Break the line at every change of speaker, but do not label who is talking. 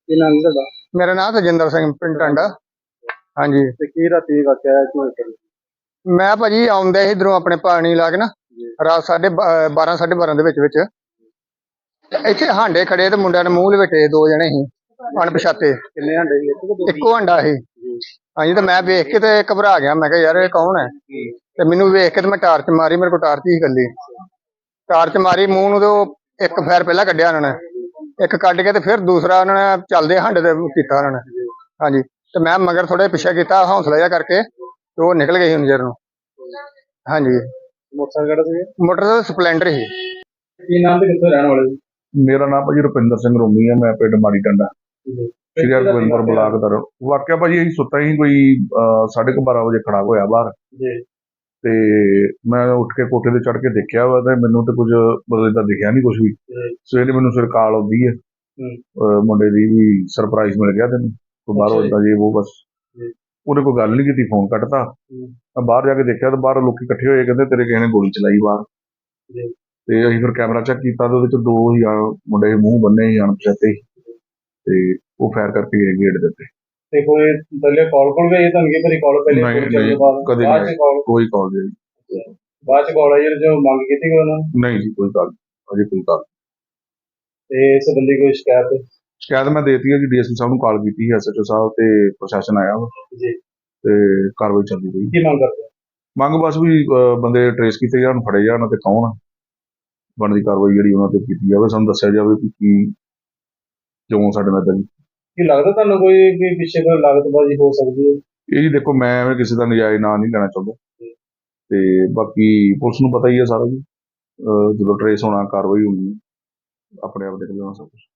ਕੀ ਨਾਮ ਤੁਹਾਡਾ?
मेरा नाम तजिंदर सिंह पिंड टांडा। हाँ जी,
ਤੇ ਕੀ ਰਾਤੀ ਵਾਕਿਆ ਹੈ ਕਿ
मैं भाजी आउंदे इधरों अपने पानी ला के ना रात 12:30 12:30 ਦੇ ਵਿੱਚ ਇੱਥੇ ਹਾਂਡੇ ਖੜੇ ਤੇ ਮੁੰਡਿਆਂ ਨੇ ਮੂੰਹ ਲਵੇਟੇ ਦੋ ਜਣੇ ਸੀ ਅਣਪਛਾਤੇ।
ਕਿੰਨੇ ਹੰਡੇ ਸੀ? ਇੱਕ ਕਿ ਦੋ?
ਇੱਕੋ ਹੰਡਾ ਸੀ। ਹਾਂਜੀ, ਤੇ ਮੈਂ ਵੇਖ ਕੇ ਤੇ ਘਬਰਾ ਗਿਆ। ਮੈਂ ਕਿਹਾ ਯਾਰ ਇਹ ਕੌਣ ਹੈ? ਤੇ ਮੈਨੂੰ ਵੇਖ ਕੇ ਤੇ ਮੈਂ ਟਾਰਚ ਮਾਰੀ। ਮੇਰੇ ਕੋਲ ਟਾਰਚ ਹੀ ਇਕੱਲੀ ਟਾਰਚ ਮਾਰੀ ਮੂੰਹ ਨੂੰ, ਤੇ ਉਹ ਇੱਕ ਫੈਰ ਪਹਿਲਾਂ ਕੱਢਿਆ ਉਹਨਾਂ ਨੇ, ਇੱਕ ਕੱਢ ਕੇ ਤੇ ਫਿਰ ਦੂਸਰਾ ਉਹਨਾਂ ਨੇ ਚੱਲਦੇ ਹੰਡੇ ਤੇ ਕੀਤਾ ਉਹਨਾਂ ਨੇ। ਹਾਂਜੀ, ਤੇ ਮੈਂ ਮਗਰ ਥੋੜਾ ਪਿੱਛੇ ਕੀਤਾ ਹੌਸਲਾ ਜਿਹਾ ਕਰਕੇ, ਤੇ ਉਹ ਨਿਕਲ ਗਏ ਸੀ ਨਜ਼ਰ ਨੂੰ। ਹਾਂਜੀ,
ਮੋਟਰਸਾਈਕਲ ਕਿਹੜਾ ਸੀ?
ਮੋਟਰ ਸਪਲੈਂਡਰ ਸੀ।
ਕੀ ਨਾਮ ਤੇ ਕਿੱਥੋਂ ਰਹਿਣ ਵਾਲੇ ਸੀ?
ਮੇਰਾ ਨਾਮ ਭਾਜੀ ਰੁਪਿੰਦਰ ਸਿੰਘ ਰੋਮੀ ਆ। ਮੈਂ ਪਿੰਡ ਮਾੜੀ ਟੰਡਾ ਸ਼੍ਰੀ ਹਰਗੋਬਿੰਦਪੁਰ ਬਲਾਕ ਦਾ। ਵਾਕਿਆ ਭਾਜੀ ਅਸੀਂ ਸੁੱਤਾ ਹੀ ਕੋਈ 12:30 ਵਜੇ ਖੜਾ ਹੋਇਆ ਬਾਹਰ
ਜੀ।
ਤੇ ਮੈਂ ਉੱਠ ਕੇ ਕੋਠੇ ਤੇ ਚੜ੍ਹ ਕੇ ਦੇਖਿਆ ਵਾ ਤੇ ਮੈਨੂੰ ਤੇ ਕੁਝ ਮਤਲਬ ਏਦਾਂ ਦਿਖਿਆ ਨਹੀਂ ਕੁਝ ਵੀ। ਸਵੇਰੇ ਮੈਨੂੰ ਫਿਰ ਕਾਲ ਆਉਂਦੀ ਹੈ ਮੁੰਡੇ ਦੀ ਵੀ ਸਰਪ੍ਰਾਈਜ਼ ਮਿਲ ਗਿਆ ਤੈਨੂੰ ਕੋਈ ਬਾਹਰੋਂ ਏਦਾਂ ਜੇ ਉਹ ਬਸ। ਉਹਨੇ ਕੋਈ ਗੱਲ ਨਹੀਂ ਕੀਤੀ, ਫੋਨ ਕੱਟਤਾ। ਮੈਂ ਬਾਹਰ ਜਾ ਕੇ ਦੇਖਿਆ ਤੇ ਬਾਹਰ ਲੋਕੀ ਇਕੱਠੇ ਹੋਏ, ਕਹਿੰਦੇ ਤੇਰੇ ਕਿਸੇ ਨੇ ਗੋਲੀ ਚਲਾਈ ਬਾਹਰ। ਤੇ ਅਸੀਂ ਫਿਰ ਕੈਮਰਾ ਚੈੱਕ ਕੀਤਾ ਤੇ ਉਹਦੇ ਚ ਦੋ ਹੀ ਮੁੰਡੇ ਮੂੰਹ ਬੰਨੇ ਸੀ ਅਣਪਛਾਤੇ ਤੇ ਉਹ ਫਾਇਰ ਕਰਕੇ ਗਏ ਗੇਟ ਦੇ ਉੱਤੇ।
ਤੇ ਕੋਈ ਪਹਿਲੇ ਕਾਲ ਗਈ ਤੁਹਾਨੂੰ ਕੀ ਪਤਾ ਕਾਲ ਪਹਿਲੇ
ਨਹੀਂ ਕਦੇ ਕੋਈ ਕਾਲ ਨਹੀਂ।
ਬਾਅਦ ਚ ਕਾਲ ਆਈ ਜੋ ਮੰਗ ਕੀਤੀ ਕੋਈ ਉਹਨਾਂ ਨੇ?
ਨਹੀਂ ਜੀ ਕੋਈ ਗੱਲ ਅਜੇ ਕੋਈ ਗੱਲ।
ਤੇ ਇਸ ਸੰਬੰਧੀ ਕੋਈ
ਸ਼ਿਕਾਇਤ ਮੈਂ ਦੇਤੀ ਹੈ ਜੀ, ਡੀਐਸਪੀ ਸਾਹਿਬ ਨੂੰ ਕਾਲ ਕੀਤੀ ਹੈ, ਐਸਐਚਓ ਸਾਹਿਬ ਤੇ ਪ੍ਰਸ਼ਾਸਨ ਆਇਆ ਵਾ
ਜੀ
ਤੇ ਕਾਰਵਾਈ ਚੱਲਦੀ ਪਈ।
ਕੀ ਮੰਗ ਕਰਦੇ?
ਮੰਗ ਬਸ ਵੀ ਬੰਦੇ ਟਰੇਸ ਕੀਤੇ ਜਾਣ, ਫੜੇ ਜਾਣ ਤੇ ਕੌਣ ਬਣਦੀ ਕਾਰਵਾਈ ਜਿਹੜੀ ਉਹਨਾਂ ਤੇ ਕੀਤੀ ਜਾਵੇ। ਸਾਨੂੰ ਦੱਸਿਆ ਜਾਵੇ ਕਿ ਕੀ ਕਿਉਂ ਸਾਡੇ ਨਾਲ ਏਦਾਂ।
ਕੀ ਲੱਗਦਾ ਤੁਹਾਨੂੰ ਕੋਈ ਪਿੱਛੇ ਕੋਈ ਲਾਗਤਬਾਜ਼ੀ ਹੋ ਸਕਦੀ ਹੈ?
ਇਹ ਜੀ ਦੇਖੋ, ਮੈਂ ਐਵੇਂ ਕਿਸੇ ਦਾ ਨਜਾਇਜ਼ ਨਾਂ ਨਹੀਂ ਲੈਣਾ ਚਾਹੁੰਦਾ ਤੇ ਬਾਕੀ ਪੁਲਿਸ ਨੂੰ ਪਤਾ ਹੀ ਹੈ ਸਾਰਾ ਜੀ। ਜਦੋਂ ਟਰੇਸ ਹੋਣਾ ਕਾਰਵਾਈ ਹੋਣੀ, ਆਪਣੇ ਆਪ ਦੇਖ ਲੈਣਾ ਸਭ ਕੁਛ।